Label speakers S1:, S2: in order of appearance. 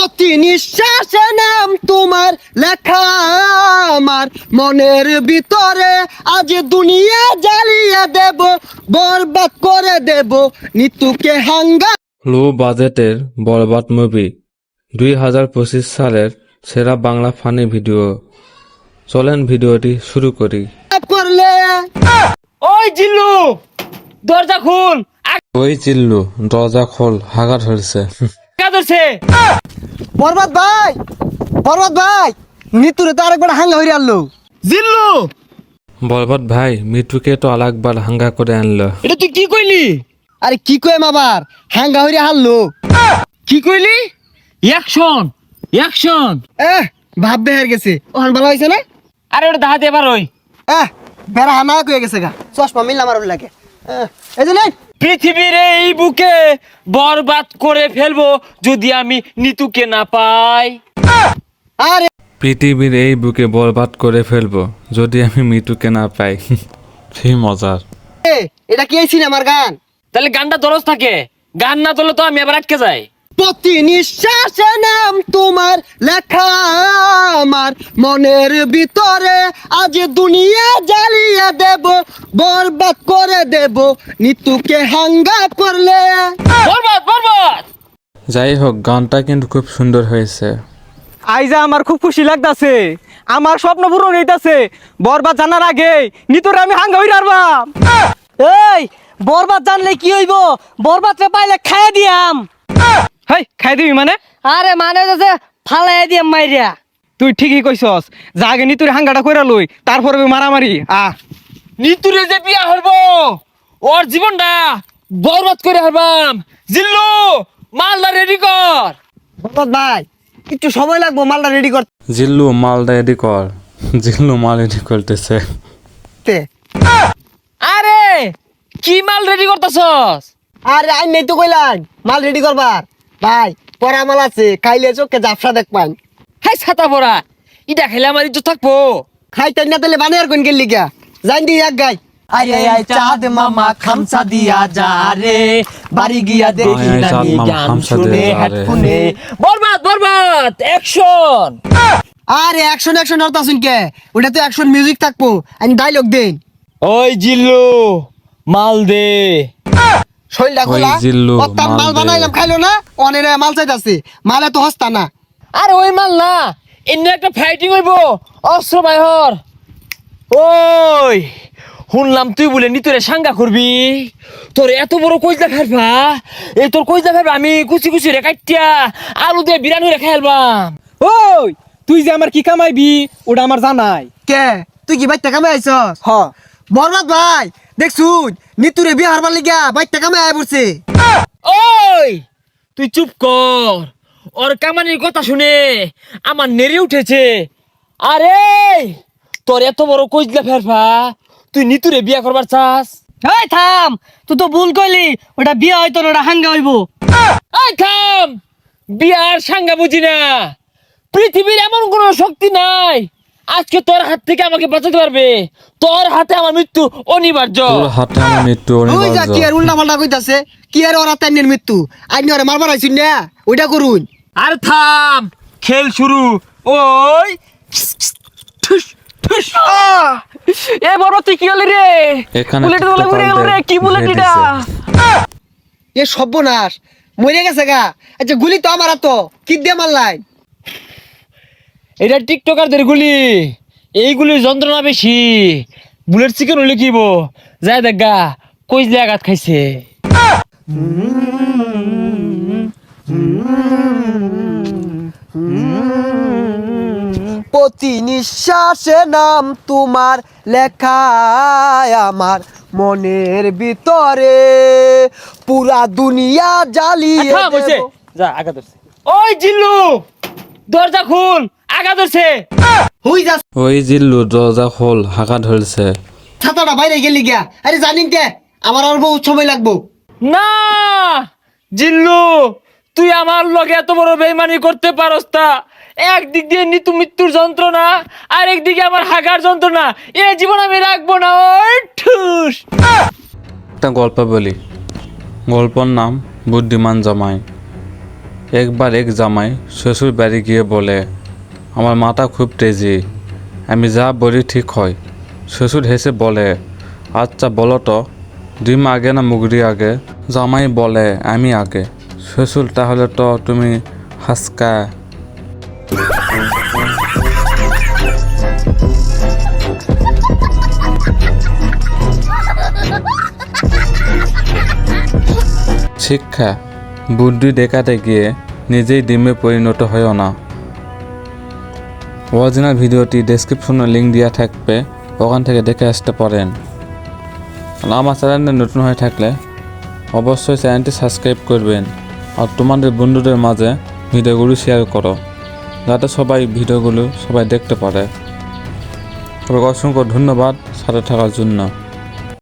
S1: প্রতি নিঃশ্বাসে নাম তোমার লেখা আমার মনের ভিতরে, আজ দুনিয়া জ্বালিয়ে দেব, বরবাদ করে দেব নিতুকে হাঙ্গা।
S2: লো বাজেটের বরবাদ মুভি 2025 সালের সেরা বাংলা ফানি ভিডিও। চলেন ভিডিওটি শুরু করি।
S1: করলে
S3: ওই জিল্লু দরজা খুল,
S2: ওই চিল্লু দরজা খোল, হাগা ধরছে।
S3: আগা ধরছে।
S1: বরবাদ ভাই, বরবাদ ভাই, নিতুরে তো আরেকবার হাঙ্গা হইরে আনলো।
S3: জিল্লু
S2: বরবাদ ভাই মিঠুকে তো আরেকবার হাঙ্গা করে আনলো।
S3: এটা তুই কি কইলি?
S1: আরে কি কইম আবার, হাঙ্গা হইরে হারলো।
S3: কি কইলি? Action action.
S1: ভাব বেহার গেছে, ওখান ভালো হয়েছে না?
S3: আরে ওটা দাহাতে এবার ওই
S1: বেড়া হানা কয়ে গেছে গা, চশমা মিললাম আর লাগে। এই যে নেই,
S3: পৃথিবীর এই বুকে বরবাদ করে ফেলবো যদি আমি নিতুকে না পাই।
S1: আরে
S2: পৃথিবীর এই বুকে বরবাদ করে ফেলবো যদি আমি মিঠুকে না পাই। সেই মজার।
S1: এটা কি এই সিনেমার গান?
S3: তাহলে গানটা দরজ থাকে, গান না তোলে তো আমি এবার আটকে যাই।
S1: প্রতি নিঃশ্বাসে নাম তোমার লেখা আমার মনের ভিতরে, আজ দুনিয়া জ্বালিয়ে দেব, বরবাদ করে দেব নিতুকে হাঙ্গা করলে।
S3: বরবাদ বরবাদ।
S2: যাই হোক, গানটা কিন্তু খুব সুন্দর হয়েছে।
S4: আইজা আমার খুব খুশি লাগতাছে, আমার স্বপ্ন পূরণ হইতাছে। বরবাদ জানার আগে নিতরে আমি হাঙ্গা হই রারবাম।
S5: এই বরবাদ জানলে কি হইব? বরবাদরে পাইলে খাইয়ে দিয়াম।
S4: হেই খাই দিবি মানে?
S5: আরে মানে যে ফালাই দিয়াম মাইরিয়া।
S4: তুই ঠিকই কইছস, যা আগে নিতুরে হাঙ্গাটা কইরা লই, তারপরে মারামারি।
S3: নিতুরে যে বিয়া হইবো ওর জীবনটা বরবাদ করে হারবাম। জিল্লু মালদা রেডি কর।
S1: বরবাদ ভাই, একটু সময় লাগবো মালটা রেডি করতে।
S2: জিল্লু মালটা রেডি কর। জিল্লু মাল রেডি করতেছে।
S3: আরে কি মাল রেডি করতেছস?
S1: আরে আই নেই তো কইলাম মাল রেডি করবার। ভাই পরা মাল আছে, খাইলে চোখে জাফসা দেখবান।
S3: হাই ছাতা পড়া, ইটা খেলে আমার ইজ্জত থাকবো।
S1: খাইতেন না তাহলে বানিয়ার কোন গেলি গা, জান দি এক গাই।
S5: আরে আই চাঁদ মামা খামসা দিয়া যা রে, বাড়ি গিয়া দেখি
S2: আয় আয়
S5: নানি
S2: চাঁদ মামা
S5: গান
S2: খামসা
S5: শুনে
S2: দিয়া যা রে।
S5: হেডফোনে।
S3: বরবাদ বরবাদ অ্যাকশন।
S1: আরে অ্যাকশন অ্যাকশন হরতা শুন কে, ওটা তো অ্যাকশন মিউজিক থাকবো, আমি ডায়লগ দেন।
S3: ওই জিল্লু মাল দে।
S1: শৈলটা
S2: ওই
S1: খোলা,
S2: জিল্লু,
S1: অত্যান
S2: মাল
S1: মাল
S2: দে।
S1: বানাইলাম খাইলো না, অনেরে মাল চাইতাছে, মালে তো হস্তা না।
S3: আরে ওই মাল না, এনে একটা ফাইটিং হইবো অস্ত্র বাইহর। ওই শুনলাম তুই বলে নিতরে সাঙ্গা করবি, তোর এত বড় কইজা ফেলবা, এই তোর কইজা ফেলবা আমি কুচি কুচি রে কাটিয়া আলু দিয়ে বিরানি রে খেলবাম।
S4: ওই তুই যে আমার কি কামাইবি ওটা আমার জানাই।
S1: কে তুই কি বাইতে কামে আইছস?
S4: হ
S1: বরবাদ ভাই দেখছুন, নিতুরে বিয়ে হারবার লিগা বাইতে কামে আয় পড়ছে।
S3: ওই তুই চুপ কর, ওর কামানির কথা শুনে আমার নেড়ে উঠেছে। আরে তোর এত বড় কইজলা ফেরফা, তুই নিতুরে বিয়া করবার চাস?
S5: এই থাম, তুই তো ভুল কইলি, ওটা বিয়া হয়তো না, ওটা হাঙ্গা হইব।
S3: এই থাম, বিয়ার সাঙ্গা বুঝি না। পৃথিবীর এমন কোনো শক্তি নাই আজকে তোর হাত থেকে আমাকে বাঁচাতে পারবে। তোর হাতে আমার মৃত্যু অনিবার্য।
S2: তোর হাতে আমার মৃত্যু
S1: ওই যা
S2: অনিবার্য।
S1: কি আর উল্টা পাল্টা কইতাছে, কি আর ওরা তাইনের মৃত্যু, আইনি ওরে মারবার আইছুন না, ওইটা করুন।
S3: আর থাম, খেল শুরু। ওই ঠুস ঠুস।
S4: এ বরবাদ তুই কি হলি রে?
S2: এখানে
S4: বুলেট বলে ঘুরে গেল রে, কি বুলেট এটা?
S1: এ সর্বনাশ, মরে গেছে গা। আচ্ছা গুলি তো আমার তো কি দিয়ে মারলাই?
S3: এটা টিকটকারদের গুলি, এইগুলির যন্ত্রণা বেশি। বুলেট চিকেন হলে কিব যায় দেখা কইজলে আঘাত খাইছে।
S1: প্রতি নিঃশ্বাসে নাম তোমার লেখা আমার মনের ভিতরে, পুরা দুনিয়া জ্বালিয়ে
S3: থাম হইছে,
S1: দেব।
S3: যা আঘাত ধরছে। ওই জিল্লু দরজা খুল, আঘাত ধরছে।
S1: হুই যা,
S2: ওই জিল্লু দরজা খোল, হাগা ধরছে।
S1: ছাতাটা বাইরে গেলি গিয়া। আরে জানিন কে, আমার আর বহুত সময় লাগবো।
S3: না জিল্লু, তুই আমার লগে এত বড় বেইমানি করতে পারস তা? একদিক দিয়ে নিতু মৃত্যুর যন্ত্রণা, আর একদিকে আমার হাগার যন্ত্রণা, এ জীবন আমি রাখবো না। ওই ঠুস।
S2: একটা গল্প বলি, গল্পর নাম বুদ্ধিমান জামাই। একবার এক জামাই শ্বশুর বাড়ি গিয়ে বলে, আমার মাথা খুব তেজি, আমি যা বলি ঠিক হয়। শ্বশুর হেসে বলে, আচ্ছা বলো তো, ডিম আগে না মুগরি আগে? জামাই বলে, আমি আগে। শ্বশুর, তাহলে তো তুমি হাসকা। শিক্ষা, বুদ্ধি দেখাতে গিয়ে নিজেই ডিমে পরিণত হয়েও না। অরিজিনাল ভিডিওটি ডেসক্রিপশনে লিঙ্ক দেওয়া থাকবে, ওখান থেকে দেখে আসতে পারেন। আর আমার চ্যানেলে নতুন হয়ে থাকলে অবশ্যই চ্যানেলটি সাবস্ক্রাইব করবেন আর তোমাদের বন্ধুদের মাঝে ভিডিওগুলো শেয়ার করো, যাতে ভিডিওগুলো সবাই দেখতে পারে। তবে অসংখ্য ধন্যবাদ সাথে থাকার জন্য।